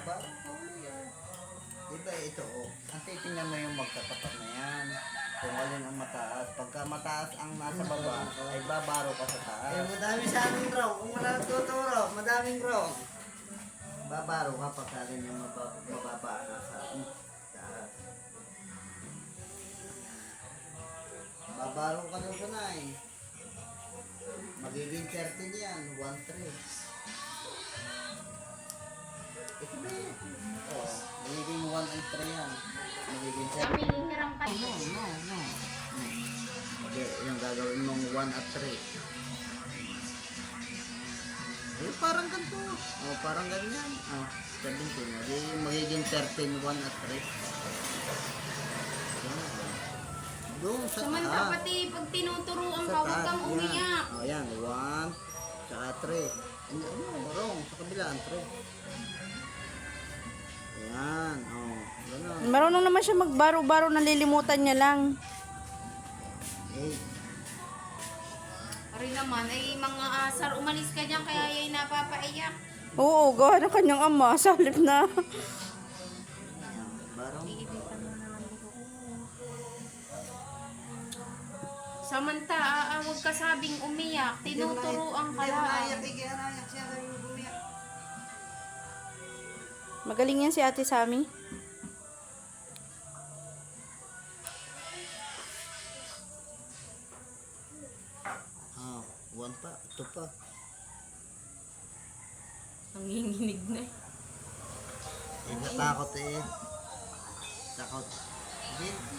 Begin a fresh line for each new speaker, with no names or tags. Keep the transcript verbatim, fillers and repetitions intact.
parang kulay ah. Diba ito oh. Ang titingnan mo yung magkatapat na yan. Kung alin ang mataas. Pagka mataas ang nasa baba, ay babaro ka sa taas.
Eh, madami sa amin raw. Kung wala nagtuturo, madaming raw.
Babaro ka pagka alin yung mababa, mababa nasa taas. Babaro ka doon ka na eh. Magiging thirteen yan, one three. Ito ba yun? Oo, magiging one and three yan. Magiging
Kami
thirteen.
hirang pa.
No, no, no. Okay, yung gagawin mong one at three. Eh, parang ganito. Oh, parang ganyan. Oh, seventeen. Magiging, magiging thirteen, one at three. Doon sa
Samanta
taas.
pati pag tinuturuan
Sa
ka, huwag
taas,
kang
yan.
umiyak.
Oh, yan. One, tsaka three. Ano, ano, wrong. Sa kabilaan, three. Yan. Oh, gano'n.
Marunong naman siya magbaro-baro, nalilimutan niya lang.
Eight.
Ari naman, ay mga asar, umalis ka dyan, kaya yay napapaiyak.
Oo, gawa ng kanyang ama, sa halip na.
Barang.
Iibitan mo naman ko. Samanta, ah, ah, huwag ka sabing umiyak. Tinuturuan ka
Hindi,
lang.
naiyak eh. Kaya naiyak siya. Sabi mo bumiyak.
Magaling yan si Ate Sammy.
Ah, one pa. Ito pa.
Nanginginig na eh.
Eh, natakot eh. Takot. Hindi,